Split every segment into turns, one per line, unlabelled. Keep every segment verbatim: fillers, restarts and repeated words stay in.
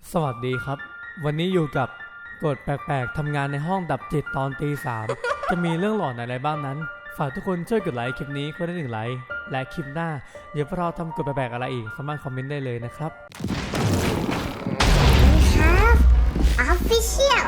สวัสดีครับวันนี้อยู่กับกฎแปลกๆทำงานในห้องดับจิตตอนตีสามจะมีเรื่องหลอนอะไรบ้างนั้นฝากทุกคนช่วยกดไลค์คลิปนี้ก็ได้หนึ่งไลค์และคลิปหน้าเดี๋ยวพวกเราทำกฎแปลกๆอะไรอีกสามารถคอมเมนต์ได้เลยนะครับ
We have official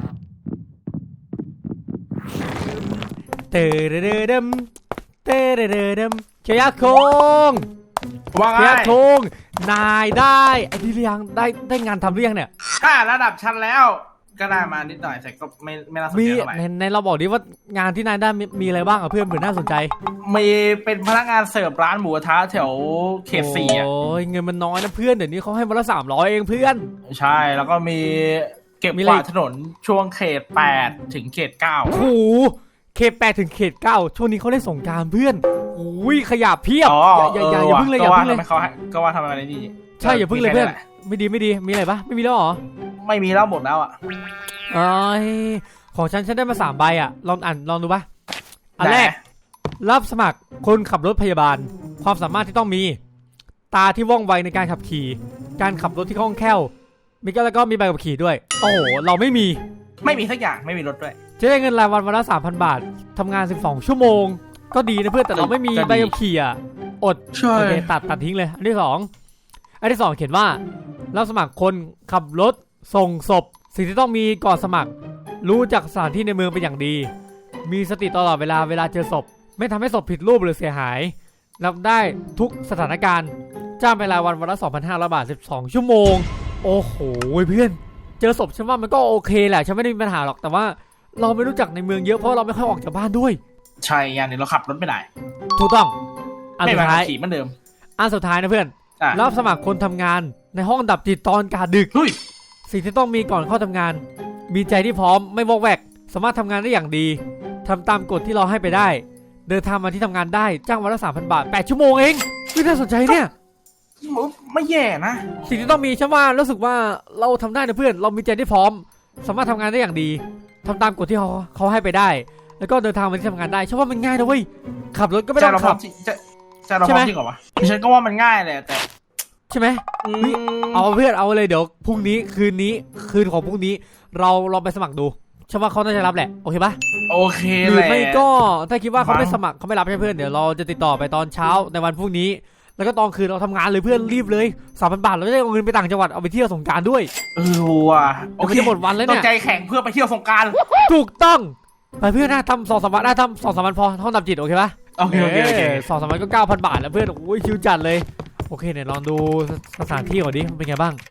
เตอเดเดเดมเตเดเดเดมเชียร์คง
ว่าไง
เชียร์คงนายได้ไอ้ที่เรียงได้ได้งานทำหรือยังเนี่ย
ถ้าระดับชั้นแล้วก็ได้มานิดหน่อยแต่ก็ไม่ไม่น่าสน
มี
ใจเท่าไหร่
ในในเราบอกดิว่างานที่นายได้มีมีอะไรบ้างอะเพื่อนเผื่อน่าสนใจ
มีเป็นพนักงานเสิร์ฟร้านหมูกระทะแถวเขตสี่อ่ะ
โอ้ยเงินมันน้อยนะเพื่อนเดี๋ยวนี้เขาให้วันละสามร้อยเองเพื่อน
ใช่แล้วก็มีเก็บ
มี
ก
อะไร
วาดถนนช่วงเขตแปดถึงเขตเก้า
โอ้โหเขตแปดถึงเขตเก้าช่วงนี้เขาเล่นสงกรานต์เพื่อนอุ้ยขยะเพียบ
อ๋อ
อย่าอย่าอย่าอย่าเพิ่งเลยอย่า
ก็ว่า
เพิ่งเลย
ทำไมเขาให้ก็ว่าทำไมอะไรนี่
ใช่อย่าเพิ่งเลยเพื่อนไม่ดีไม่ดีมีอะไรปะไม่มีแล้วเหรอ
ไม่มีแล้วหมดแล้วอ่ะ
เอ้ยของฉันฉันได้มาสามใบอ่ะลองอ่านลองดูปะอันแรกรับสมัครคนขับรถพยาบาลความสามารถที่ต้องมีตาที่ว่องไวในการขับขี่การขับรถที่คล่องแคล่วมีก็แล้วก็มีใบขับขี่ด้วยโอ้โหเราไม่มี
ไม่มีสักอย่างไม่มีรถด้วย
จะได้เงินรายวันวันละสามพันบาททำงานสิบสองชั่วโมงก็ดีนะเพื่อนแต่เราไม่มีใบขับขี่อ่ะอด
ใช่
โอเคตัดตัดทิ้งเลยอันที่สองอันที่สองเขียนว่ารับสมัครคนขับรถส่งศพสิ่งที่ต้องมีก่อนสมัครรู้จักสถานที่ในเมืองเป็นอย่างดี มีสติตลอดเวลาเวลาเจอศพไม่ทำให้ศพผิดรูปหรือเสียหายรับได้ทุกสถานการณ์จ้างเป็นรายวันวันละ สองพันห้าร้อย บาทสิบสองชั่วโมงโอ้โหเพื่อนเจอศพฉันว่ามันก็โอเคแหละฉันไม่ได้มีปัญหาหรอกแต่ว่าเราไม่รู้จักในเมืองเยอะเพราะเราไม่ค่อยออกจากบ้านด้วย
ใช่อย่างนี้เราขับรถไม่ได้
ถูกต้องอัน
ไม่
สุ
มา
ดท้าย
ขี่เหมือนเดิม
อันสุดท้ายนะเพื่อน
อ่ะ
รับสมัครคนทำงานในห้องดับจิตตอนกาดึก
เฮ้ย
สิ่งที่ต้องมีก่อนเข้าทำงาน มีใจที่พร้อมไม่วอกแวกสามารถทำงานได้อย่างดีทำตามกฎที่เราให้ไปได้ เดินทางมาที่ทำงานได้จ้างวันละสามพันบาทแปดชั่วโมงเองไม่น่าสนใจเนี่ย
ไม่แย่นะ
สิ่งที่ต้องมีฉันว่ารู้สึกว่าเราทำได้นะเพื่อนเรามีใจที่พร้อม สามารถทำงานได้อย่างดีทำตามกฎที่เขาเขาให้ไปได้ แล้วก็เดินทางมาที่ทำงานได้ฉันว่ามันง่ายนะเว้ยขับรถก็ไม่ต้องขับ
จะจะเราพร้อมจริงเหรอวะฉันก็ว่ามันง่ายเลยแต่
ใช่ไหม เฮ้ย เอาเพื่อนเอาเลยเดี๋ยวพรุ่งนี้คืนนี้คืนของพรุ่งนี้เราลองไปสมัครดูฉันว่าเขาน่าจะรับแหละโอเคปะ
โอเค
หรื
แห
อ
ละ
ไม่ก็ถ้าคิดว่าเขาไม่
มั้ง
สมัครเขาไม่รับให้เพื่อนเดี๋ยวเราจะติดต่อไปตอนเช้าในวันพรุ่งนี้ แล้วก็ตอนคืนเราทำงานเลยเพื่อนรีบเลยสามพันบาทเราจะได้เอาเงินไปต่างจังหวัดเอาไปเที่ยวสงกรานต์ด้วย
เออว่ะโอ
โอ
เค
เคหมดวันแล้ว
ต้อ
เนี่
ง
ย
ใจแข็งเพื่อไปเที่ยวสงกรานต์
ถูกต้องไปเพื่อนนะทำสองสามวันได้ทำสองสามวันพอห้องดับจิตโอเคปะ
โอเคโอเคโอเค
สองสามวันก็เก้าพันบาทแล้วเพื่อนโอ้ยชิวจัดเลยโอเคเนี่ยลองดูสถานที่ก่อนดิมันเป็นไงบ้าง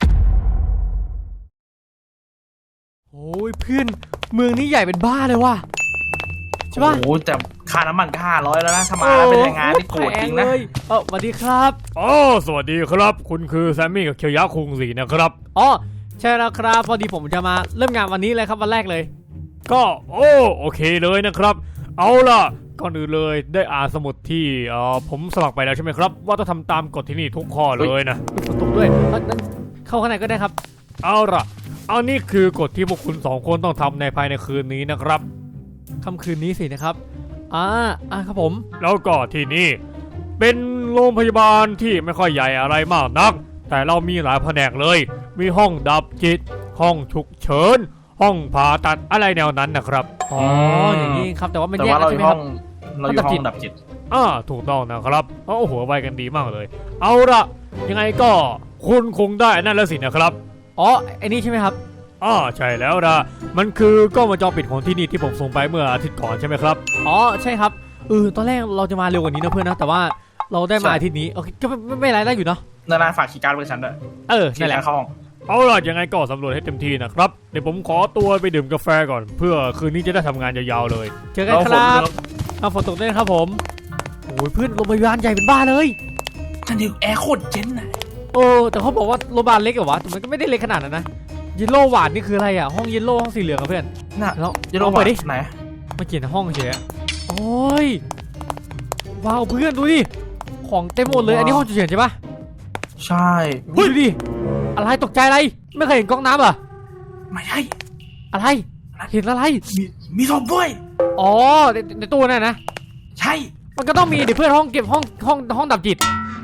โอ้ยเพื่อนเมืองนี้ใหญ่เป็นบ้าเลยว่ะใช่ปะ
โอ้แต่ค่าน้ำมันก็ห้าร้อยแล้วนะถ้ามาแล้วเป็นแรงงานนี่โกรธจริงนะ
แพเลยเออสวัสดีครับอ๋อสวัสดีครับคุณคือแซมมี่กับเคียวยะคุงสีนะครับอ๋อใช่แล้วครับพอดีผมจะมาเริ่มงานวันนี้เลยครับวันแรกเลย ก็โอ้โอเคเลยนะครับเอาล่ะก่อนอื่นเลยได้อ่านสมุดที่เอ่อผมสมัครไปแล้วใช่ไหมครับว่าต้องทำตามกฎที่นี่ทุกข้อเลยนะฝนตกด้วยเข้าข้างในก็ได้ครับเอาล่ะเอานี่คือกฎที่พวกคุณสองคนต้องทำในภายในคืนนี้นะครับค่ำคืนนี้สินะครับอ่าอ่าครับผมแล้วก็ที่นี่เป็นโรงพยาบาลที่ไม่ค่อยใหญ่อะไรมากนักแต่เรามีหลายแผนกเลยมีห้องดับจิตห้องฉุกเฉินห้องผ่าตัดอะไรแนวนั้นนะครับอ๋ออย่างนี้ครับแต่ว่ามัน
แต่
แยก
ว่า
กัน
เราอ
ใช่ไหม
ยู่
ค
ห้
รั
อบ งเราอยู่ห้องดับจิต
อ่าถูกต้องนะครับโอ้โหไวกันดีมากเลยเอาละยังไงก็คุณคงได้นั่นแล้วสินะครับอ๋อไอ้นี่ใช่ไหมครับอ๋อใช่แล้วนะมันคือกล้องวงจรปิดของที่นี่ที่ผมส่งไปเมื่ออาทิตย์ก่อนใช่ไหมครับอ๋อใช่ครับเออตอนแรกเราจะมาเร็วกว่านี้นะเพื่อนนะแต่ว่าเราได้มาอาทิตย์นี้โอเคก็ไม่ไม่เป็นไรได้อยู่เนาะ
นานาฝากคีย์การ์ดไว้ฉันด้วย
เออ
คี
นั่น
ย์
แห
การ์
ละ
ดเข้าห้อง
เอาล่ะยังไงก็สำรวจให้เต็มที่นะครับเดี๋ยวผมขอตัวไปดื่มกาแฟก่อนเพื่อคืนนี้จะได้ทำงานยาวๆเลยเจอกันครับเอาฝนตกด้วยครับผมโอ้ยเพื่อนโรงพยาบาลใหญ่เป็นบ้าเลย
ฉันดิวแอร์โคตรเจ๋งนะ
โอ้แต่เขาบอกว่าโรงพยาบาลเล็กเหรอวะแต่มันก็ไม่ได้เล็กขนาดนั้นนะเยลโล่หวานนี่คืออะไรอ่ะห้องเยลโล่ห้องสีเหลืองอะเพื่อน
น่ะ
แล้ว
จะลอง
ไปดิ
ไหน
มาเขียนห้องเฉยโอ้ยว้าวเพื่อนดูดิของเต็มหมดเลยอันนี้ห้องฉุกเฉินใช่ปะ
ใช่
ดูดิอะไรตกใจอะไรไม่เคยเห็นก๊อกน้ำเหรอ
ไม่ใช่
อะไรเห็นอะไร
มีมีศพด้วย
อ๋อในในตู้นั่นนะ
ใช่
มันก็ต้องมีเดี๋ยวเพื่อนห้องเก็บห้องห้องห้องดับจิต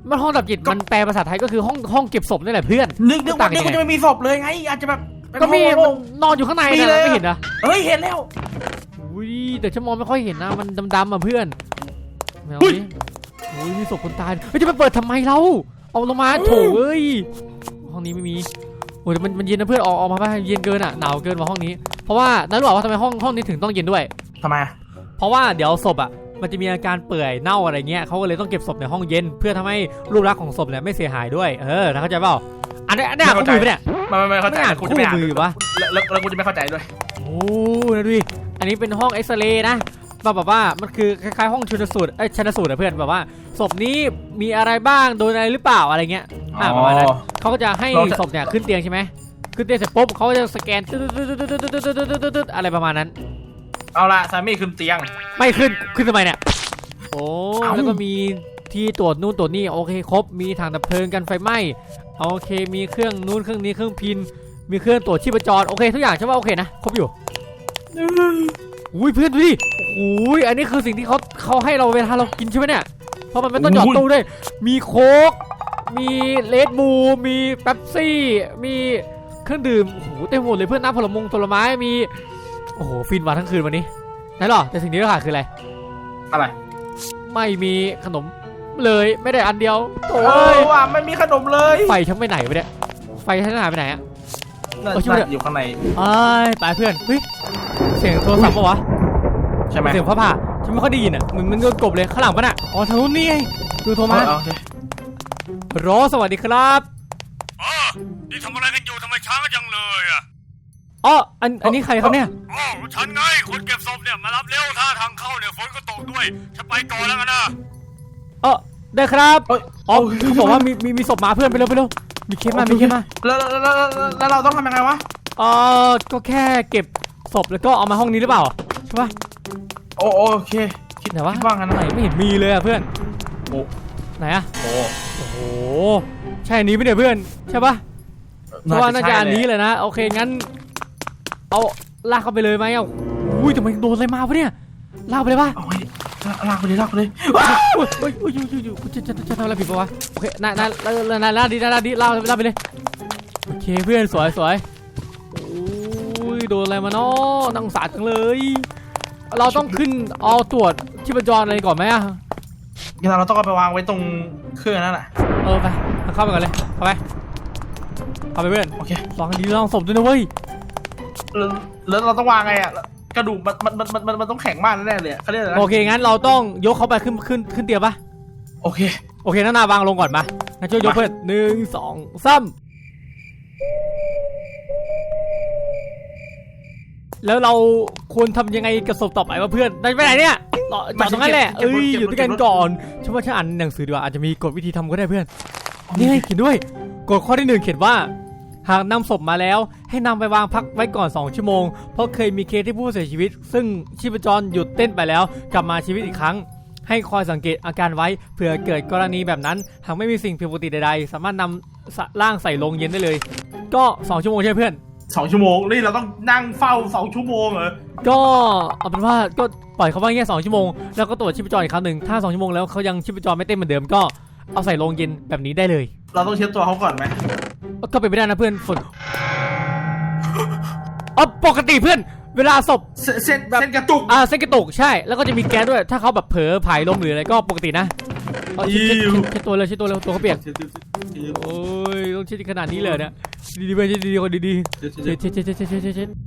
มันห้องดับจิตมันแปลภาษาไทยก็คือห้องห้องเก็บศพนี่แหละเพื่อน
นึกนึกว่านึกว่าจะไม่มีศพเลยไงอาจจะแบบเป็น
ก็มี
ห้องโล่ง
นอนอยู่ข้างใน
มี
นะ
เลย
ไม่เห็นนะ
เฮ้ยเห็นแล้ว
อุ้ยแต่ฉันมองไม่ค่อยเห็นนะมันดำๆอ่ะเพื่อนไม่เอา
อุ้ย
ดิอุ้ยมีศพคนตายเฮ้ยจะไปเปิดทำไมเราเอาลงมาโถเอ้ยห้องนี้ไม่มีโอ้ยมันมันเย็นนะเพื่อนออกออกมาไปเย็นเกินอ่ะหนาวเกินมาห้องนี้เพราะว่านั่นรู้ว่าทำไมห้องห้องนี้ถึงต้องเย็นด้วย
ทำไม
เพราะว่าเดี๋ยวศพอ่ะมันจะมีอาการเปื่อยเน่าอะไรเงี้ยเขาก็เลยต้องเก็บศพในห้องเย็นเพื่อทำให้รูปลักษณ์ของศพเนี่ยไม่เสียหายด้วยเออเข้าใจเปล่าอันนี้อันนี้อ่านคู่มือปะเนี่ย
ไม่ไม่ไม่เข้าใจ
ไม่อ่าน
กูจะไม่อ่าน
คู่มือวะ
แล้วแล้วแล้วกูจะไม่เข้าใจด้วย
โอ้นะดูดิอันนี้เป็นห้องเอ็กซเรย์นะแบบแบบว่ามันคือคล้ายๆห้องชันสูตรเอ้ยชันสูตรนะเพื่อนแบบว่าศพนี้มีอะไรบ้างโดนอะไรหรือเปล่าอะไรเงี้ยอ่าประมาณนั้นเขาก็จะให้ศพเนี่ยขึ้นเตียงใช่ไหมขึ้นเตียงเสร็จปุ๊บเขาก็จะสแกนตึ๊ดตึ๊ดตึ๊ดตึ๊ดตึ๊ดตึ๊ดตึ๊ดตึ๊ดตึ๊ดอะไรประมาณนั้น
เอาละซามี่ขึ้นเตียง
ไม่ขึ้นขึ้นทำไมเนี่ยโอ้
เอ้า
แล้วก็มีที่ตรวจนู่นตรวจนี่โอเคครบมีถังดับเพลิงกันไฟไหม้โอเคมีเครื่องนู้นเครื่องนี้เครื่องพินมีเครื่องตรวจชีพจรโอเคทุกอย่างใช่ป่ะโอเคนะครบอยู่อุ้ยเพื่อนดูดิอุ้ยอันนี้คือสิ่งที่เขาเขาให้เราเวลาเรากินใช่ไหมเนี่ยเพราะมันไม่ต้องหยอดตู้ด้วยมีโค้กมีเลดบูลมีเป๊ปซี่มีเครื่องดื่มโอ้โหเต็มหมดเลยเพื่อนน้ำผลมงผลไม้มีโอ้โหฟินวันทั้งคืนวันนี้ไหนหรอแต่สิ่งที่เราขาดคืออะไร
อะไร
ไม่มีขนมเลยไม่ได้อันเดียวโอ้
เอย อว่ะไม่มีขนมเลย
ไฟฉันไปไหนไปเนี่ยไฟฉันหายไปไหนอะ
น่า
เอาช่วย
น่าอยู่ข้างใน
ไอ้ตายเพื่อนเฮ้ยเสียงโทรศัพท์ปะวะ
ใช่ไหม
เสียงฟ้าผ่าฉันไม่ค่อยได้ยินอ่ะเหมือนมันโดนกบเลยข้างหลังปะน่ะอ๋อทางนู้นนี่ไงดูโทรมา
เออโอเค
โรสวัสดีครับ
อ๋อนี่ทำอะไรกันอยู่ทำไมช้ากันจังเลยอ่ะ
อ๋ออันอันนี้ใครครับเนี่ย
อ๋อฉันไงคนเก็บศพเนี่ยมารับเร็วถ้าทางเข้าเนี่ยฝนก็ตกด้วยฉันไปก่อนแล้วกันนะ
เออได้ครับ
เอ้ย
อ๋อเขาบอกว่ามีมีมีศพหมาเพื่อนไปเร็วไปเร็วมีเคสมามีเคสมา
แล้วแล้วแล้วแล้วแล้วเราต้องทำยังไงวะ
เออก็แค่เก็บศพแล้วก็เอามาห้องนี้หรือเปล่าใช่ปะ
โอโอเคคิด
ไหนวะ
คิดว่างั้น
ไหนไม่เห็นมีเลยอะเพื่อน
โอ้
ไหนอะ
โอ้
โอ้โหใช่อันนี้ไหมเนี่ยเพื่อนใช่ปะเพราะว่าน่าจะอันนี้เลยนะโอเคงั้นเอาลากเข้าไปเลยไหมอ่ะอุ้ยทำไมโดนอะไรมาปะเนี่ยลากไปเลยปะ
เอาไว้ลากไปเลยลากไปเลย
อุ้ยอุ้ยอุ้ยอุ้ยอุ้ยอุ้ยจะจะจะทำอะไรผิดปะวะโอเคน่าน่าน่าน่าน่าดีน่าดีลากลากไปเลยโอเคเพื่อนสวยสวยอุ้ยโดนอะไรมาเนาะน่าสงสารจังเลยเราต้องขึ้นเอาตรวจชีพจรอะไรก่อนไหมอะ
งั้นเราต้องเอาไปวางไว้ตรงเครื่องนั่นแหละ
เออไปเข้าไปก่อนเลยเข้าไปเข้าไปเพื่อน
โอเค
ลองดีลองศพด้วยนะเว้ย
แล้วแล้วเราต้องวางไงอ่ะกระดูกมันมันมันมันมันต้องแข็งมากแน่ๆเลยเขาเรียกอะไรนะ
โอเคงั้นเราต้องยกเขาไปขึ้นขึ้นขึ้นเตียงปะ
โอเค
โอเคน้านาวางลงก่อนมางั้นช่วยยก
มา
เพื่อนหนึ่งสองสามแล้วเราควรทำยังไงกับศพต่อไปวะเพื่อนได้ไปไหนเนี่ยรอจอดตรงนั้นแหละเอ้ยอยู่ด้วยกันก่อนฉันว่าฉันอ่านหนังสือดีกว่าอาจจะมีกฎวิธีทำก็ได้เพื่อนนี่ให้เขียนด้วยกฎข้อที่หนึ่งเขียนว่าหากนำศพมาแล้วให้นำไปวางพักไว้ก่อนสองชั่วโมงเพราะเคยมีเคสที่ผู้เสียชีวิต ซึ่งชีพจรหยุดเต้นไปแล้วกลับมาชีวิตอีกครั้งให้คอยสังเกตอาการไว้เผื่อเกิดกรณีแบบนั้นหากไม่มีสิ่งผิดปกติใดๆสามารถนำร่างใส่ลงเย็นได้เลยก็สองชั่วโมงใช่ไหมเพื่อน
สองชั่วโมงนี่เราต้องนั่งเฝ้าสองชั่วโมงเหรอ
ก็เอาเป็นว่าก็ปล่อยเขาไว้แค่สองชั่วโมงแล้วก็ตรวจชีพจรอีกครั้งหนึ่งถ้าสองชั่วโมงแล้วเขายังชีพจรไม่เต้นเหมือนเดิมก็เอาใส่ลงเย็นแบบนี้ได้เลย
เราต้องเช็ดตัวเขาก่อนไหม
ก็เป็นไปได้นะเพื่อนฝนอ๋อปกติเพื่อนเวลาศพ
เส้นเส้นเส้นกระตุก
อ่าเส้นกระตุกใช่แล้วก็จะมีแก๊สด้วยถ้าเขาแบบเผลอผายลมหรืออะไรก็ปกตินะเอาเช็ดเช็ดเช็ดเช็ดตัวเลยเช็ดตัวเลยตัวเขาเปียกโอ้ยต้องเช็ดขนาดนี้เลยนะดีๆไปเช็ดดีๆคนดีๆเช็ดเช็ดเช็ดเช็ดเช็ดเช็ดเช็ดเช็ด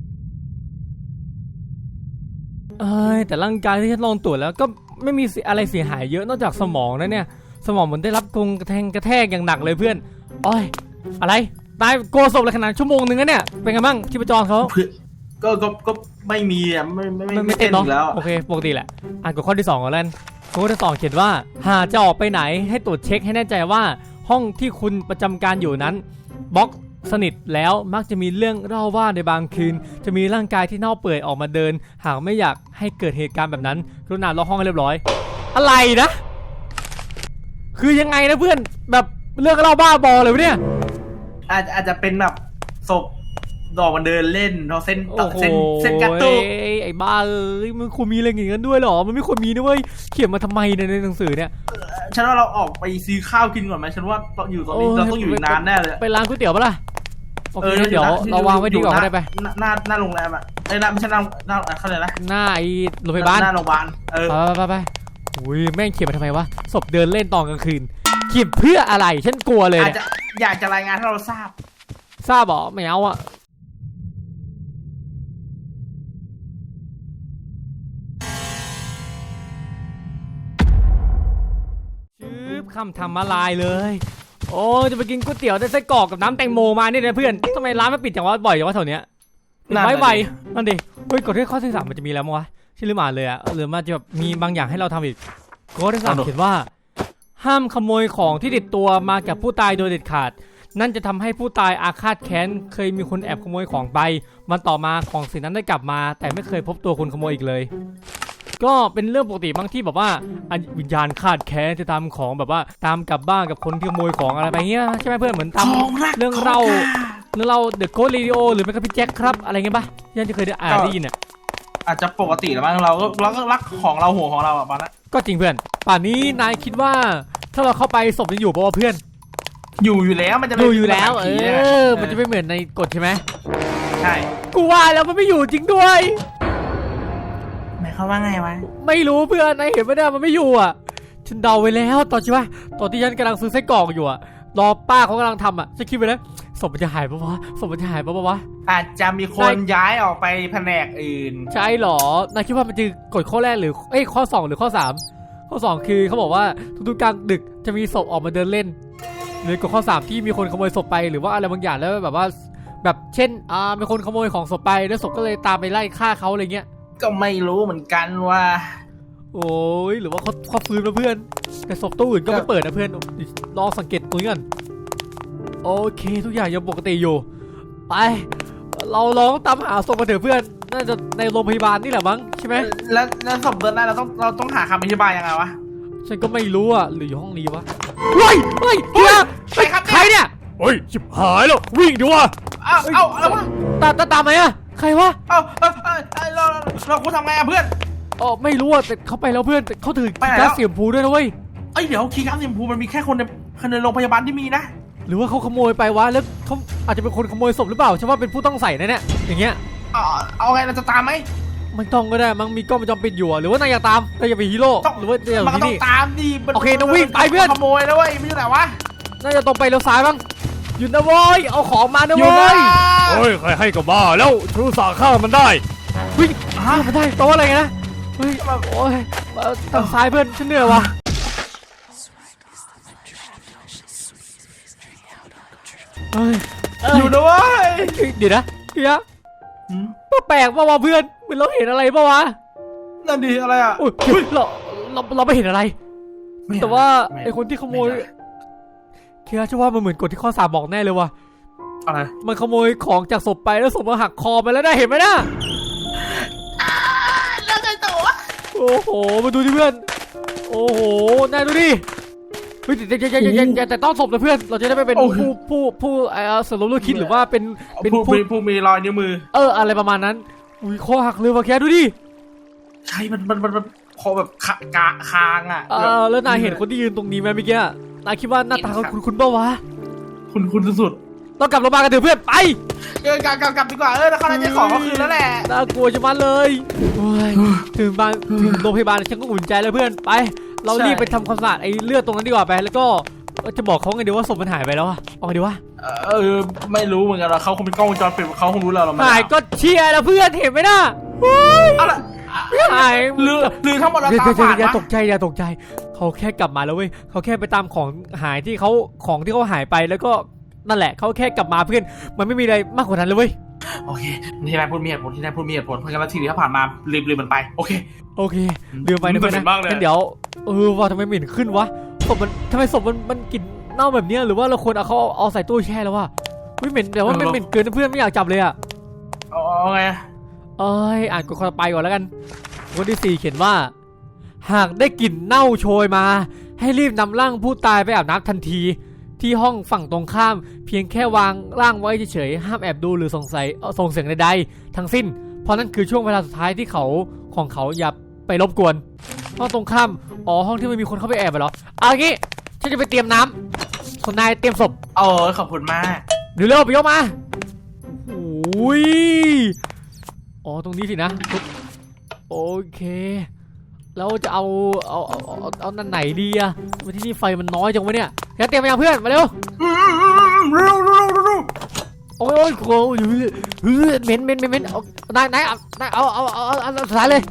เอ้ยแต่ร่างกายที่ฉันลองตรวจแล้วก็ไม่มีอะไรเสียหายเยอะนอกจากสมองนะเนี่ยสมองเหมือนได้รับกงกระแทงกระแทกอย่างหนักเลยเพื่อนโอ้ยอะไรตายโกศพเลยขนาดชั่วโมงนึงนะเนี่ยเป็นไงบ้างชีพจรเขา
ก็ก็ก็ไม่มีอ่ะไม่ไม่
ไม่
ไม่
ไม่
เต้
เต้
น
นเนาะ
อีกแล้ว
โอเคปกติแหละอ่านกฎข้อที่สองก่อนแล้วข้อที่สองเขียนว่าหากจะออกไปไหนให้ตรวจเช็คให้แน่ใจว่าห้องที่คุณประจำการอยู่นั้นบล็อกสนิทแล้วมักจะมีเรื่องเล่าว่าในบางคืนจะมีร่างกายที่เน่าเปื่อยออกมาเดิน หากไม่อยากให้เกิดเหตุการณ์แบบนั้นกรุณาล็อกห้องให้เรียบร้อยอะไรนะคือยังไงนะเพื่อนแบบเรื่องเล่าบ้าบอเลยวะเนี่ย
อาจอาจจะเป็นแบบศพดอกมันเดินเล่นเราเส้น
โอ้โห
เส้นเส้นกระตุก
ไอ้บ้าเอ้ยมันควรมีอะไรอย่างนั้นด้วยเหรอมันไม่ควรมีนะเว้ยเขียนมาทำไมเนี่ยในหนังสือเนี่ย
ฉันว่าเราออกไปซื้อข้าวกินก่อนไหมฉันว่าอยู่ตรงนี้เราต้องอยู่นานแน่เลย
ไปร้านก๋วยเตี๋ยวปะล่ะโอเคเดี๋ยวเราวางไว้ดีกว่าก็ได้ไป
หน้าหน้าโรงแรมอ่ะไอ้หน้าไม่ใช่หน้าหน้าเขาเลยนะ
หน้าไอ้โรงพยาบาล
หน้าโรงพยาบาลเออ
ไปไปไปอุ้ยแม่งเขียนมาทำไมวะศพเดินเล่นตอนกลางคืนเขียนเพื่ออะไรฉันกลัวเลย
อาจจะอยากจะรายงานให้เราทราบ
ทราบเหรอไม่เอาอ่ะชื่อคำทำมาลายเลยโอ้จะไปกินก๋วยเตี๋ยวได้ไส้กรอกกับน้ำแตงโมมาเนี่ยนะเพื่อนทำไมร้านมันปิดจังวะบ่อยจังวะแถวเนี้ยไว้ไวนั่นดิเฮ้ยกดที่ข้อที่สามมันจะมีแล้วมั้งวะชื่อลืมอ่านเลยอะหรือมันจะแบบมีบางอย่างให้เราทำอีกข้อที่สามเขียนว่าห้ามขโมยของที่ติดตัวมากับผู้ตายโดยเด็ดขาดนั่นจะทำให้ผู้ตายอาฆาตแค้นเคยมีคนแอบขโมยของไปมันต่อมาของสิ่งนั้นได้กลับมาแต่ไม่เคยพบตัวคนขโมยอีกเลยก็เป็นเรื่องปกติบางที่แบบว่าวิญญาณคาดแค้นจะทำของแบบว่าตามกลับบ้านกับคนที่ขโมยของอะไรไปเงี้ยใช่ไหมเพื่อนเหมือนตามเรื่องเล่าเรื่องเล่าเดอะโค้ดเรดิโอหรือไม่ก็พี่แจ็คครับอะไรเงี้ยปะยันจะเคยได้อ่านได้ยินอ่ะ
อาจจะปกติแล้วมั้งเราก็เราก็รักของเราห่วงของเราอ่ะป่ะนะ
ก็จริงเพื่อนป่านนี้นายคิดว่าถ้าเราเข้าไปศพยังอยู่ป่ะเพื่อน
อยู่อยู่แล้วมันจะ
อยู่อยู่แล้วเออมันจะไม่เหมือนในกฎใช่ไหม
ใช่
กูว่าแล้วมันไม่อยู่จริงด้วย
หมายความว่าไงวะ
ไม่รู้เพื่อนนายเห็นไหมเนี่ยมันไม่อยู่อ่ะฉันเดาไว้แล้วตอนใช่ไหมตอนที่ฉันกำลังซื้อไส้กรอกอยู่อ่ะรอป้าเขากำลังทำอ่ะฉันคิดไปแล้วศพมันจะหายปะวะศพมันจะหายปะวะ
อาจจะมีคนย้ายออกไปแผนกอื่น
ใช่หรอนายคิดว่ามันจะกดข้อแรกหรือเอ้ยข้อสองหรือข้อสามข้อสองคือเขาบอกว่าทุกๆกลางดึกจะมีศพออกมาเดินเล่นหรือกดข้อสามที่มีคนขโมยศพไปหรือว่าอะไรบางอย่างแล้วแบบว่าแบบเช่นอ่ามีคนขโมยของศพไปแล้วศพก็เลยตามไปไล่ฆ่าเขาอะไรเงี้ย
ก็ไม่รู้เหมือนกันว่า
โอ้ยหรือว่าเขาเขาฟื้นมาเพื่อนแต่ศพตู้อื่นก็ไม่เปิดนะเพื่อนลองสังเกตตัวนี้กันโอเคทุกอย่างยังปกติอยู่ไปเราลองตามหาศพมาเถอะเพื่อนน่าจะในโรงพยาบาลนี่แหละมั้งใช่ไหม
แล้วแล้วศพเดินได้เราต้องเราต้องหาคำอธิบายยังไงวะ
ฉันก็ไม่รู้อ่ะหรืออยู่ห้องนี้วะเฮ้ยเฮ้ยเฮีย
ใครครับ
ใครเนี่ย
เฮ้ยชิบหายแล้ววิ่งดิวะ
เอาเอาอะไรวะ
ตามตามไหมอะใครวะ
เอาเอาเอาเราเราควรทำไงอะเพื่อน
อ๋อไม่รู้อะแต่เขาไปแล้วเพื่อนเขาถือคีย์การ์ดเสียมพูด้วยนะเว้ย
เอ้ยเดี๋ยวคีย์การ์ดเสียมพูมันมีแค่คนในคนในโรงพยาบาลที่มีนะ
หรือว่าเขาขโมยไปวะแล้วเขาอาจจะเป็นคนขโมยศพหรือเปล่าฉันว่าเป็นผู้ต้องใส่นะเนี่ยอย่างเงี้ย
เอาเอาไงเราจะตามไหม
มันต้องก็ได้มันมีกล้องวงจรปิดอยู่หรือว่านายอยากตามนายอยากเป็นฮีโร่หรือว่าอยาก
มันต้องตามดิ
โอเคต้องวิ่งไปเพื่อน
ขโมยแล้วเว้ยไม่ใช่ไหนวะ
น่าจะตรงไปเลี้ยวซ้ายบ้างหยุดนะเว้ยเอาของมานะเว้ย
เฮ้ยใครให้กับบ้าแล้วชูสาข้ามันได้
วิ่งข้ามันได้โตอะไรนะเฮ้ยโอ้ยทางซ้ายเพื่อนฉันเหนื่อยวะเฮ้ย
อยู่นะเว้ย
เดี๋ยวนะเดี๋ยวแปลกป่าวะเพื่อนเหมือนเราเห็นอะไรป่าวะ
นั่นดีอะไรอ่ะ
เราเราเราไม่เห็นอะไรแต่ว่าไอคนที่ขโมยเคียร์ชื่อว่ามันเหมือนกฎที่ข้อสามบอกแน่เลยว่ะ
อะไร
มันขโมยของจากศพไปแล้วศพมาหักคอไปแล้วได้เห็นไหมนะ
แล้วไงต่อวะ
โอ้โหมาดูดิเพื่อนโอ้โหนายดูดิเฮ้ยแต่แต่แต่ต้องศพนะเพื่อนเราจะได้ไม่เป็นผู้ผู้ผู้ไอ้สรุปเรื่องคิดหรือว่าเป็น
เป็นผู้ผู้มีรอยนิ้วมือ
เอออะไรประมาณนั้นอุ้ยคอหักเลยว่ะแค่ดูดิ
ใช่มันมันมันคอแบบขากะคางอ่ะ
เออแล้วนายเห็นคนที่ยืนตรงนี้ไหมเมื่อกี้นายคิดว่าหน้าตาเขาคุณคุณเปล่าวะ
คุณคุณสุด
ๆต้องกลับโรงพยาบาลกันเถอะเพื่อนไป
เออกลับกลับกลับดีกว่าเออแล้วเขาจะขอเขาคืนแล้วแหละ
น่ากลัวจะมาเลยถึงบ้านถึงโรงพยาบาลฉันก็อุ่นใจแล้วเพื่อนไปเรารีบไปทำความสะอาดไอ้เลือดตรงนั้นดีกว่าไปแล้วก็จะบอกเขาไงดีว่าศพมันหายไปแล้วอะเอาไงดีวะ
เออไม่รู้เหมือนกันเราเขาคงเป็นกล้องวงจรปิดเขาคงรู้เราเรา
หายก็เชียร์แล้วเพื่อนเห็นไหมน่ะ
เอาละ
หาย
หรือหรือทั้งหมดเราตาฝาด
อย่าตกใจอย่าตกใจเขาแค่กลับมาแล้วเว้ยเขาแค่ไปตามของหายที่เขาของที่เขาหายไปแล้วก็นั่นแหละเขาแค่กลับมาเพื่อนมันไม่มีอะไรมากกว่านั้นเลยเว้ย
โอเคที่นายพูดมีเหตุผลที่นายพูดมีเหตุผลเพราะงั้นทีนี้ถ้าผ่านมาลืมลืมมันไปโอเค
โอเคลืมไปนะเพื่อนนะงั้นเดี๋ยวเออว่าทำไมเหม็นขึ้นวะศพมันทำไมศพมันมันกลิ่นเน่าแบบนี้หรือว่าเราควรเอาเขาเอาใส่ตู้แช่แล้ววะไม่เหม็นแต่ว่าไม่เหม็นเกินเพื่อนไม่อยากจับเลยอะ
เอาไง
เอ้ยอ่านกฎข้อไปก่อนแล้วกันคนที่สี่เขียนว่าหากได้กลิ่นเน่าโชยมาให้รีบนำร่างผู้ตายไปอาบน้ำทันทีที่ห้องฝั่งตรงข้ามเพียงแค่วางร่างไว้เฉยๆห้ามแอบดูหรือสงสัยส่งเสียงใดๆทั้งสิ้นเพราะนั่นคือช่วงเวลาสุดท้ายที่เขาของเขาอย่าไปรบกวนห้องตรงข้ามอ๋อห้องที่มันมีคนเข้าไปแอบไปเหรอเอางี้ฉันจะไปเตรียมน้ำส่วนนายเตรียมศพ
เออขอบคุณมาก
เดี๋ยวเร็วไปยกมาโอ้ยอ๋อตรงนี้สินะโอเคแล้วจะเอาเอาเอาเอาเอานั่นไหนดีอะวันที่นี่ไฟมันน้อยจังวะเนี่ยแค่เตรียมไปยังเพื่อนมาเร็ว
เร็วเร็วเร็ว
โอ้ยโอ้ยโอ้ยเหม็นเหม็นเหม็นเหม็นเอานายนายเอานายเอาเอาเอาเอาเอาสายเลยว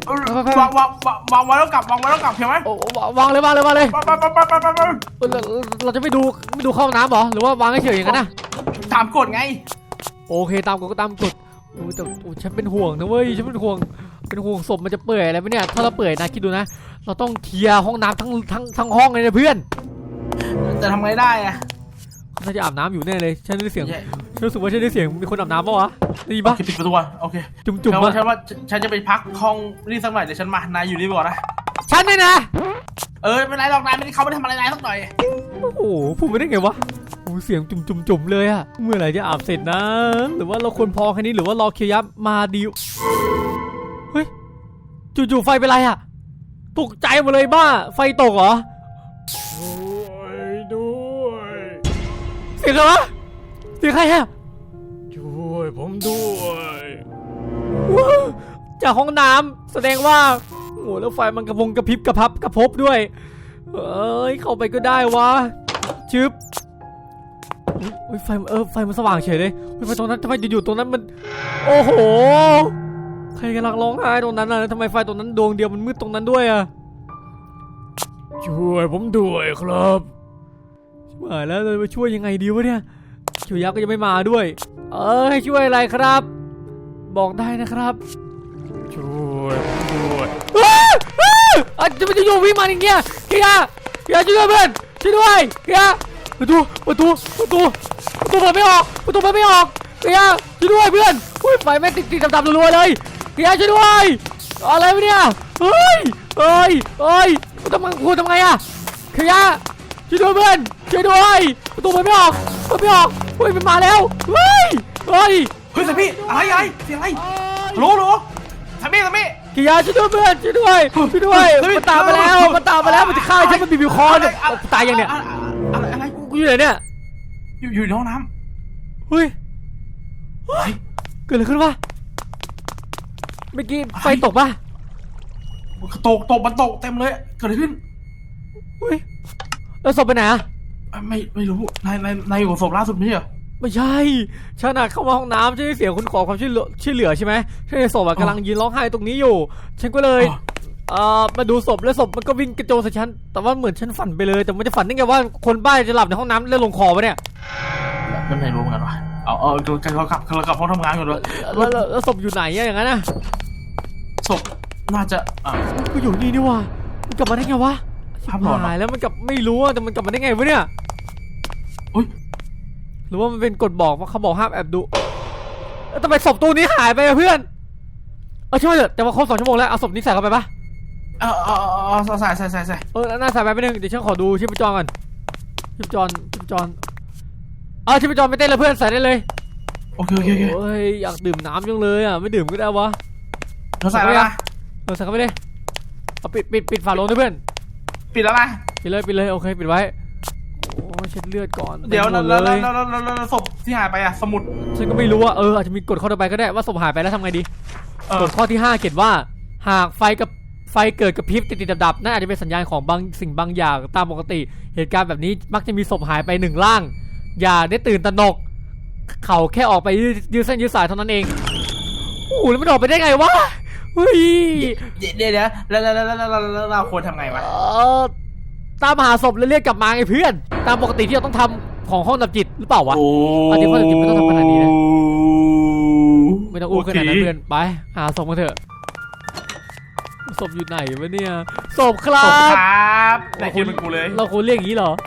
างวางวางวางไว้แล้วกลับวางไว้แล้วกลับใช่ไหม
โอ้วางเลยวางเลยวางเลย
ไปไปไปไปไปไป
เราเราจะไม่ดูไม่ดูเข้าน้ำเหรอหรือว่าวางเฉยๆอย่างนั้นนะ
ตามกฎไง
โอเคตามกฎก็ตามกฎโอ้แต่โอ้ฉันเป็นห่วงนะเว้ยฉันเป็นห่วงเป็นห่วงศพมันจะเปื่อยอะไรไหมเนี่ยถ้าเราเปื่อยนะคิดดูนะเราต้องเคลียร์ห้องน้ำทั้งทั้งทั้งห้องเลยนะเพื่อน
จะทำไงได้อะ
เขาจะอาบน้ำอยู่แน่เลยฉันได้เสียงฉันรู้สึกว่าฉันได้เสียงมีคนอาบน้ำปะวะได้ยินปะ
ปิดประตูอ่ะโอเค
จุ่มจุ่ม
ฉัน
ปะ
ฉันว่าฉันจะไปพักห้องนี่สักหน่อยเดี๋ยวฉันมานายอยู่นี่ก่อนนะ
ฉันเนี่ยนะ
เออไม่เป็นไรหรอกนายไม่ได้เขาไม่ได้ทำอะไรนายสักหน่อย
โอ้โหพูดไม่ได้ไงวะโอ้เสียงจุ่มจุ่มจุ่มเลยอะเมื่อไหร่จะอาบเสร็จนะหรือว่าเราควรพอแค่นี้หรือว่ารอเคียยับมาดีเฮ้ยจู่ๆไฟเป็นไรอะตกใจหมดเลยบ้าไฟตกเหรอ
ช่วยด้วย
เสียงอะไรวะเสียงใครฮะ
ช่วยผมด้วย
ว้าวจากห้องน้ำแสดงว่าโอ้แล้วไฟมันกระพงกระพริบกระพับกระพบด้วยเอ้ยเข้าไปก็ได้วะชึบอุ้ยไฟเออไฟมันสว่างเฉยเลยเฮ้ยไฟตรงนั้นทำไมอยู่ๆตรงนั้นมันโอ้โหใครกำลังร้องไห้ตรงนั้นน่ะทำไมไฟตรงนั้นดวงเดียวมันมืดตรงนั้นด้วยอะ
ช่วยผมด้วยครับ
มาแล้วเลยมาช่วยยังไงดีวะเนี่ยช่วยยักษ์ก็ยังไม่มาด้วยเออให้ช่วยอะไรครับ บอกได้นะครับ
ช่วยผมด้วย
อ้าวอ้าวอ่ะจะมันจะอยู่วิ่งมาอย่างเงี้ยเฮียเฮียช่วยด้วยเพื่อนช่วยด้วยเฮียประตูประตูประตูประตูเปิดไม่ออกประตูเปิดไม่ออกเฮียช่วยด้วยเพื่อนอุ้ยไฟแม่งติดติดดับๆรัวๆเลยเฮียช่วยด้วยอะไรวะเนี่ยเฮ้ยเฮ้ยเฮ้ยทำไมคุณทำไงอะเฮียช่วยด้วยเพื่อนช่วยด้วยประตูเปิดไม่ออกเปิดไม่ออกเฮ้ยมันมาแล้วเฮ้ยเฮ้ย
เฮ้ยสามีอะไรอะไรเสียงอะไรรู้รู้สามีสามี
กิยาช่วยด้วยเพื่อนช่วยด้วยช่วยด้วยมันตามมาแล้วมันตามมาแล้วมันจะฆ่าฉันมันบีบคอเนี่ยตายยังเนี่ย
อะไรอะไร
กูอยู่ไหนเนี่ย
อยู่อยู่ในห้องน้
เฮ้ย
ำเฮ้ย
เกิดอะไรขึ้นวะเมื่อกี้ไฟตกปะ
ตกตกมันตกเต็มเลยเกิดอะไรขึ้น
เฮ้ยแล้วศพไปไหนอะ
ไม่ไม่รู้นายนายนายอยู่กับศพล่าสุดไม่ใช่เหรอ
ไม่ใช่ฉันอะเข้ามาห้องน้ำฉันได้เสียงคนขอความช่วยเหลือช่วยเหลือใช่ไหมฉันในศพอะกำลังยืนร้องไห้ตรงนี้อยู่ ฉันก็เลยเอ่อมาดูศพแล้วศพมันก็วิ่งกระโจนใส่ฉันแต่ว่าเหมือนฉันฝันไปเลยแต่มันจะฝันได้ไงว่าคนบ้าจะหลับในห้องน้ำแล้วลงคอไปเนี่ย
ไม่ไม่รู้เหมือนกันว่ะเอาเอาเรากลับเรากลับห้องทำงานก่อนเลย
แล้วแล้วแล้วศพอยู่ไหนอะอย่างนั้นอะ
ศพน่าจะอ่า
ก็อยู่นี่นี่วะมันกลับมาได้ไงวะ
ภาพหลอนเหรอ
หายแล้วมันกลับไม่รู้อะแต่มันกลับมาได้ไงวะเนี่ย
อุ้ย
หรือว่ามันเป็นกฎบอกว่าเขาบอกห้ามแอบดูแล้วทำไมศพตัวนี้หายไปอะเพื่อนเออช่วยเถอะแต่ว่าครบสองชั่วโมงแล้วเอาศพนี้ใส่เข้าไปปะ
เออเออเออใส่ใส่ใส่ใส่
เออน่าใส่ไปไปหนึ่งเดี๋ยวฉันขอดูชีพจรก่อนชีพจรชีพจรเออชีพจรไม่เต้นเลยเพื่อนใส่ได้เลย
โอเคโอเคโอเค
โอ้ยอยากดื่มน้ำจังเลยอะไม่ดื่มก็ได้วะ
เราใส่แล้วนะ
เออใส่เข้าไปเลยเอาปิดปิดปิดฝาโลงด้วยเพื่อน
ปิดแล้วนะ
ปิดเลยปิดเลยโอเคปิดไว้โอ้ยเช็ดเลือดก่อน
เดี๋ยว
หม
แล้ว
ด
แล้ว
เลย
แล้วแล้วแล้วศพที่หายไปอะสมุด
ฉันก็ไม่รู้ว่าเอออาจจะมีกฎข้อต่อไปก็ได้ว่าศพหายไปแล้วทำไงดี
เออก
ฎข้อที่ห้าเขียนว่าหากไฟกับไฟเกิดกระพริบติดๆดับๆนั่นอาจจะเป็นสัญญาณของบางสิ่งบางอย่างตามปกติเหตุการณ์แบบนี้มักจะมีศพหายไปหนึ่งร่างอย่าได้ตื่นตระหนกเขาแค่ออกไปยืดยืดเส้นยืดสายเท่านั้นเองโอ้โหแล้วมันออกไปได้ไงวะเฮ้ย
เดี๋ยวเดี๋ยวแล้วแล้วแล้วแล้วแล้วเราควรทำไงวะ
เออตามหาศพแล้วเรียกกลับมาไงเพื่อนตามปกติที่เราต้องทำของห้องดับจิตหรือเปล่าวะ อันนี้ข้อจริงไม่ต้องทำขนาดนี้นะ ไม่ต้องอู้ขนาดนั้นเพื่อนไปหาศพมาเถอะศพอยู่ไหนวะเนี่ยศพครั
ศพ
บ
ครับไหนคิดเป็นกูเลย
เราควรเรียกอย่างนี้เหรอ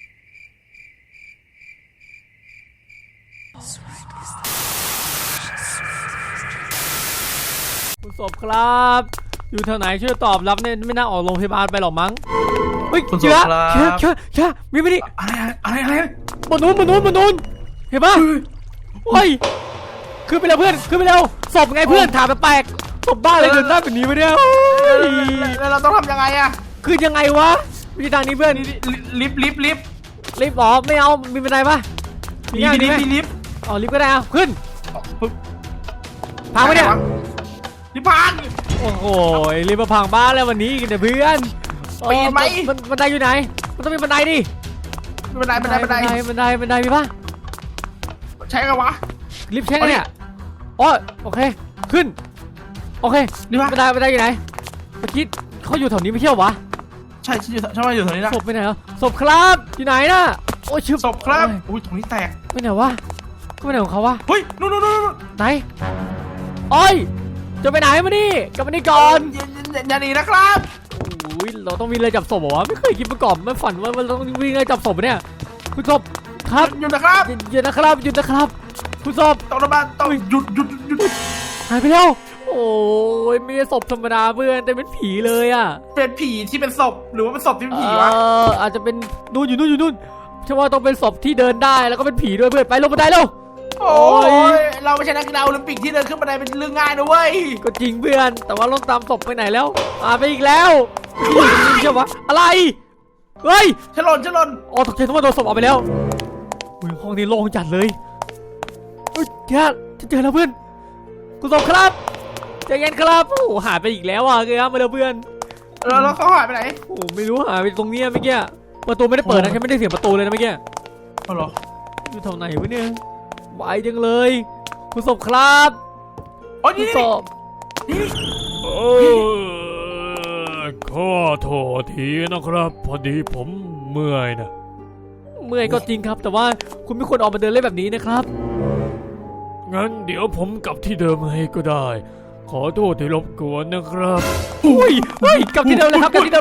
คุณศพครับอยู่แถวไหนช่วยตอบรับเนี่ยไม่น่าออกโรงพยาบาลไปหรอกมั้งเฮ้ยเชื้อเชื้อเชื้อเชื้อมีไม่ดิ
อะไรอะไรอะไร
บนนู้นบนนู้นบนนู้นเห็นปะเฮ้ยขึ้นไปแล้วเพื่อนขึ้นไปแล้วศพไงเพื่อนถามแปลกๆศพบ้าอะไรเดินหน้าแบบนี้ไปเนี่ย
แล้วเราต้องทำยังไงอะ
คือยังไงวะมีทางนี้เพื่อน
ลิฟต์ลิฟต์ลิฟต์
รีบออกไม่เอามีบันไดปะ
มี
ง่าย
ลิ
ดี
ฟ
ไหม
ต์มีลิฟต์
อ๋อรีบก็ได้เอาขึ้น
ปึ๊บ
พังไหมเนี่ย
ลิฟต์พัง
โอ้โหรีบมาพังบ้านแล้ววันนี้กันแต่เพื่อน
ปีนไหม
มันบันไดอยู่ไหนมันต้องมีบันไดดิ
บันไดบันไดบันได
บันไดบันไดมีปะ
ใช้กันวะ
รีบเช็คกันเนี่ยอ๋อโอเคขึ้นโอเค
นี่ปะ
บันไดบันไดอยู่ไหนเมื่อกี้เขาอยู่แถวนี้ไม่เที่ยววะ
ใช่ฉันอยู่ฉันว่าอยู่ตรงนี้นะ
ศพไปไหนเหรอศพครับอยู่ไหนน่ะโอ้ยชึบ
ศพครับ
โอ้ย
อุ้ยตรงนี้แตก
ไปไหนวะก็ไปไหนของเขาวะ
เฮ้ยนู่นนู่นนู่น
ไหนโอ้ยจะไปไหนมานี่กลับมานี่ก่อน
อย่าอย่าอย่าหนีนะครับ
โอ้ยเราต้องมีอะไรจับศพเหรอวะไม่เคยคิดมาก่อนไม่ฝันว่าเราต้องวิ่งอะไรจับศพปะเนี่ยคุณศพครับ
หยุดนะครับ
หยุดหยุดนะครับหยุดนะครับคุณศพ
ต้องระบาดต้องหยุดหยุดหยุด
หายไปแล้วโอ้ยไม่ใช่ศพธรรมดาเพื่อนแต่เป็นผีเลยอ่ะ
เป็นผีที่เป็นศพหรือว่าเป็นศพที่เป็น
เอ
ผีวะ
ออาจจะเป็นนู่นอยู่นู่นอยู่นู่นฉันว่าต้องเป็นศพที่เดินได้แล้วก็เป็นผีด้วยเพื่อนไปลงบันไดเร็ว
โอ้ยเราไม่ใช่นักกีฬาโอลิมปิกที่เดินขึ้นบันไดเป็นเรื่องง่ายนะเว้ย
ก็จริงเพื่อนแต่ว่าเราตามศพไปไหนแล้วอ่าไปอีกแล้วนี่ใช่ปะอะไรเฮ้ย
ฉลนฉลน
อ๋อตกใจทั้งหมดโดนศพออกไปแล้วอุ้ยห้องนี้โล่งจัดเลยเฮ้ยแค่ฉันเจอแล้วเพื่อนคุณศพครับใจเย็นครับโอ้โหหายไปอีกแล้วอ่ะเกครับมาแล้วเพื่อน
แล้วแล้วเขาหายไปไหน
โอ้โหไม่รู้หายไปตรงเนี้ยเมื่อกี้ประตูไม่ได้เปิดนะฉันไม่ได้เสียงประตูเลยนะเมื่อกี้
อ๋อเหรอ
อยู่แถวไหนวะเนี่ยไวจังเลยคุณศพครับ
โอ้ย
คุ
นี่
ณ
นี่
ศพ
นี่
เออขอโทษทีนะครับ พอดีผมเมื่อยนะ
เมื่อยก็จริงครับ แต่ว่าคุณไม่ควรออกมาเดินเล่นแบบนี้นะครับ
งั้นเดี๋ยวผมกลับที่เดิมให้ก็ได้ ขอโทษที่รบกวนนะครับ
อุ้ยเฮ้ยกลับที่เดิมเลยครับกลับที่เดิม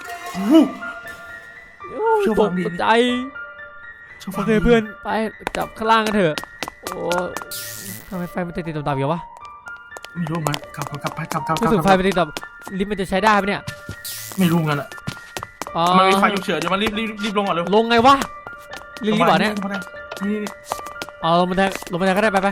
เชื่อ
ต
ฟั
ก
งดี
ใจ
เชื่อ
โอ
ฟัง
เค
ดี
เพื่อนไปจับข้างล่างกันเถอะโอ้ทำไมไฟมันติดติดต่ำๆอยู่วะ
ไม่รู้มันกลับกลับไปกลับกลับก
รู้
ลับ
สึกไฟมันติดต่ำลิฟต์มันจะใช้ได้ไหมเนี่ย
ไม่รู้งั้นอะ
อ๋อ
มันมีไฟฉุกเฉินเดี๋ยวมันรีบรีบรีบลงก่อนเร็ว
ลงไงวะรีบๆเหรอเนี่ย
ลงมาได้นี่นี่
เอาลงบันไดลงบันไดก็ได้ไปไป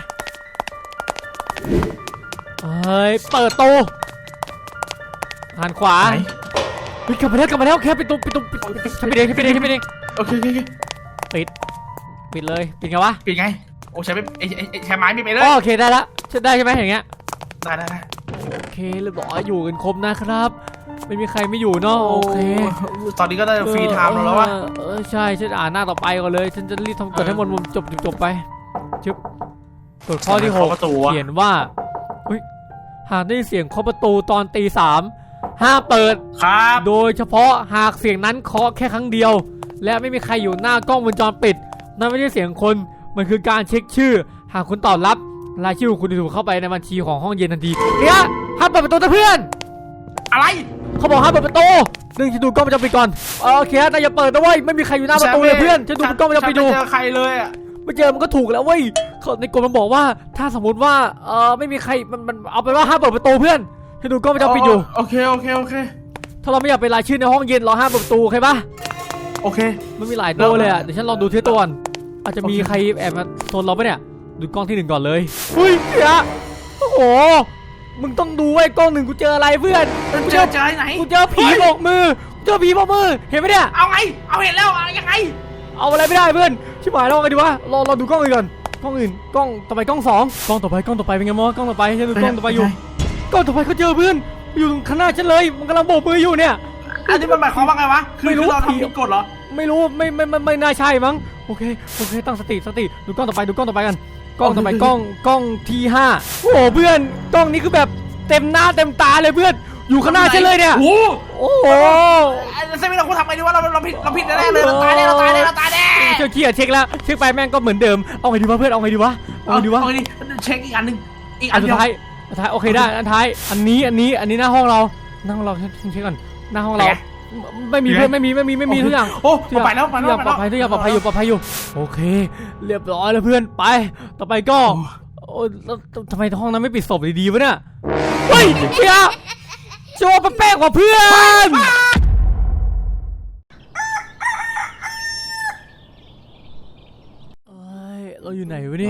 เฮ้ยเปิดตู้หันขวา
ไหน
เฮ้ยกลับมาแล้วกลับมาแล้วแค่ปิดตู้ปิดตู้ปิดฉันปิดเองฉันปิดเองฉันปิดเอง
โอเคโอเคโอเค
ปิดปิดเลยปิดไงวะ
ปิดไงโอ้ใช้ไม่ไอ้ไอ้ไอ้ใช้ไม้ไม่ไปเลย
อ๋อโอเคได้ละฉันได้ใช่ไหมอย่างเงี้ย
ได้ได้ได้
โอเคเรียบร้อยอยู่กันครบนะครับ ไม่มีใครไม่อยู่เนาะโอเค
ตอนนี้ก็ได้ฟรีไทม์แล้ววะ
เออเออใช่ฉันอ่านหน้าต่อไปก่อนเลยฉันจะรีบทำกดให้หมดมุมจบจบจบไปชึบกดข้อที่หก
ประตูวะ
เขียนว่าเฮ้ยหากได้ยินเสียงเคาะประตูตอนตีสามห้ามเปิด
ครับ
โดยเฉพาะหากเสียงนั้นเคาะแค่ครั้งเดียว และไม่มีใครอยู่หน้ากล้องวงจรปิดนั่นไม่ใช่เสียงคนมันคือการเช็คชื่อ หากคุณตอบรับรายชื่อของคุณจะถูกเข้าไปในบัญชีของห้องเย็นทันทีเฮ้ยห้ามเปิดประตูนะเพื่อน
อะไร
เขาบอกห้ามเปิดประตูหนึ่งฉันดูกล้องวงจรปิดก่อนโอเคแต่อย่าเปิดนะเว้ยไม่มีใครอยู่หน้าประตูเลยเพื่อนฉันดูกล้องวงจรปิดดู
ไม่เจอใครเลยอะ
ไม่เจอมันก็ถูกแล้วเว้ยเขาในกฎมันบอกว่าถ้าสมมติว่าเออไม่มีใครมันมันเอาไปนว่าห้ามเปิดประตูเพื่อนฉันดูกล้องวงจรปิดอยู่
โอเคโอเคโอเค
ถ้าเราไม่อยากเป็นรายชื่อในห้องเย็นเราห้ามเปิดประตูโอเคปะ
โอเค
มันมีหลายตัวเลยอ่ะเดี๋ยวฉันลองดูทีละตัวก่อนอาจจะมี
โอเค
ใครแอบมาโซนเราปะเนี่ยดูกล้องที่หนึ่งก่อนเลยเฮ้ยเฮียโอ้โหมึงต้องดูไว้กล้องหนึ่งกูเจออะไรเพื่อนกู
เจ
เจ
อ
อ
เจอไหน
กูเจอผีโบกมือกูเจอผีโบกมือเห็นไหมเนี่ย
เอาไงเอาเห็นแล้วเอายังไง
เอาอะไรไม่ได้เพื่อนชิบหายแล้วไงดีวะรอรอดูกล้องอื่นก่อนกล้องอื่นกล้องต่อไปกล้องสองกล้องต่อไปกล้องต่อไปเป็นไงมอกล้องต่อไปฉันดูกล้องต่อไปอยู่กล้องต่อไปเขาเจอเพื่อนอยู่ตรงข้างหน้าฉันเลยมันกำลังโบกมืออยู่เนี่ย
อันนี้มันหมายความว่าไงวะคือ
ไม่รู้
คือเราทำผิดกฎเหรอ
ไม่รู้ไม่ไม่ไม่ไม่น่าใช่มั้งโอเคโอเคตั้งสติสติดูกล้องต่อไปดูกล้องต่อไปกันกล้องต่อไปกล้องกล้องที่ห้าโอ้โหเพื่อนกล้องนี้คือแบบเต็มหน้าเต็มตาเลยเพื่อนอยู่ข้างหน้าฉันเลยเนี่ย
โอ้
โอ้โห
ไอ้เซมิเราควรทำไงดีวะเราเราผิดเราผิดแน่เลยเราตายแน่เราตายแน่เราตายแน่
เช็คเช็คเช็คแล้วเช็คไปแม่งก็เหมือนเดิมเอาไงดีวะเพื่อนเอาไงดีวะเอาไงดีวะ
เอาไงดีเช็คอีกอันหนึ่งอีก
อั
อั
น
น
สุ
เดี
ด
ยว
ท้ายอันท้ายโอเคได้อันท้ายอันนี้อันนี้อันนี้หน้าห้องเราหน้าห้องเราเช็คเช็คก่อนหน้าห้องเราไม่มีเพื่อนไม่มีไม่มีไม่มีทุกอย่าง
โอ้ไปแล้วไป
ทุก
แล้
อย่าว งปลอดภัยทุกอย่างปลอดภัยอยู่ปลอดภัยอยู่โอเค เรียบร้อยแล้วเพื่อนไป ต่อไปก็โอ้แล้วทำไมห้องนั้นไม่ปิดศพดีๆวะเนี่ยเฮ้ยเชียโชว์แป๊กๆกว่าเพื่อนเอ้ยเราอยู่ไหนวะเนี่ย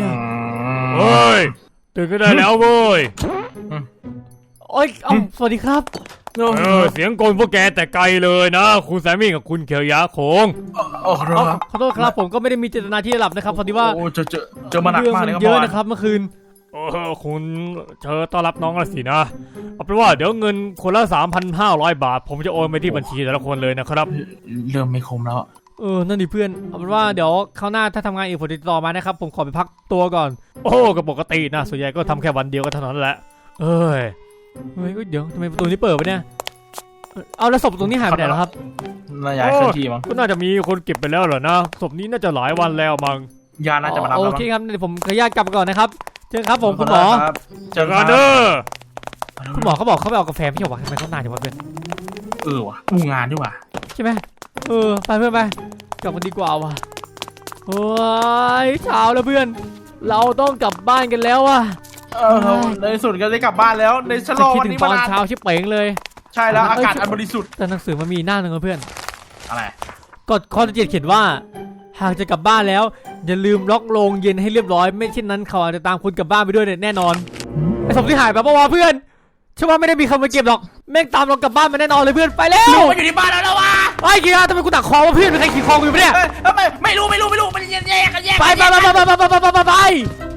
เฮ้ยตื่นก็ได้แล้วเว้ย
โอ้ยเอ้าสวัสดีครับ
เออเสียงโกนพวกแกแต่ไกลเลยนะคุณแซมมี่กับคุณเขียวยาโคง
โอ้ค
อ๋อ
รับ
ขอโทษครับผมก็ไม่ได้มีเจตนาที่จะหลับนะครับพอดีว่า
โอ้เจอเจอเจอมาหนัก
เรื่อง
มาก
มั
เลย
น
ครับ
เยอะ
พ่อ
นะครับเมื่อคืน
เออคุณเชิญต้อนรับน้องละสินะเอาเป็นว่าเดี๋ยวเงินคนละสามพันห้าร้อยบาท ผมจะโอนไปที่บัญชีแต่ละคนเลยนะครับ
เริ่มไม่คมแล้ว
เออนั่นดิเพื่อนเอาเป็นว่าเดี๋ยวคราวหน้าถ้าทำงานอีกผมติดต่อมานะครับผมขอไปพักตัวก่อน
โอ้ก็ปกตินะส่วนใหญ่ก็ทำแค่วันเดียวก็เท่านั้นแหละเอ้ย
เฮ้ยเดี๋ยวทำไมประตูนี้เปิดวะเนี่ยเอ่อเอาแล้วศพตรงนี้หายไปไหนแล้วครับ
น่าย้ายเคลื่อนที่มั้ง
ก็น่าจะมีคนเก็บไปแล้วเหรอนะศพนี้น่าจะหลายวันแล้วมั้ง
ยาน่าจะมารับ
โอ
แล้ว
เค
มั้ง
ครับเดี๋ยวผมขออนุญาตกลับก่อนนะครับเจอกันครับผมคุณหมอ
ครับ
เจอกันเด้อ
คุณหมอเขาบอกเขาไปเอากาแฟไม่ใช่หรอวะทำไมเขานานจังวะเพื่อน
เออว่ะอู้งานด้วยว่ะ
ใช่ไหมเออไปเพื่อนไปกลับกันดีกว่าว่ะโอ้ยเช้าแล้วเพื่อน เราต้องกลับบ้านกันแล้วว่ะ
เออเราในที่สุดก็ได้กลับบ้านแล้วในฉล
จะ
อง
คิด
วัน
ถึง
นี้
ต
มา
อน
นาน
เช้าชิบเป๋งเลย
ใช่แล้วอากาศอันบริสุทธิ์
แต่หนังสือมันมีหน้าหนึ่งนะเพื่อน
อะไร
กฎข้อที่เจ็ดเขียนว่า หากจะกลับบ้านแล้ว อย่าลืมล็อกโรงเย็นให้เรียบร้อย ไม่เช่นนั้นเขาอาจจะตามคุณกลับบ้านไปด้วยเนี่ยแน่นอนไอ้ศพที่หายไปเพราะว่าเพื่อนเชื่อว่าไม่ได้มีใครมาเก็บหรอกแม่งตามเรากลับบ้านมาแน่นอนเลยเพื่อนไปแล้ว
ลูกมันอยู่ที่บ้านแล้วแล้ววะ
ไอ้เกียร์ทำไมกูตักคอวะเพื่อนเป็นใครขี่คอกูอยู่ปะเนี่ย
เอ้ยเอ้ยไม่ไม่รู้ไม่รู้ไม่รู้มันแยกกันแยก
ไป
กัน
ไป
แยก
ไป
กัน
ไปไปไปไปไปไป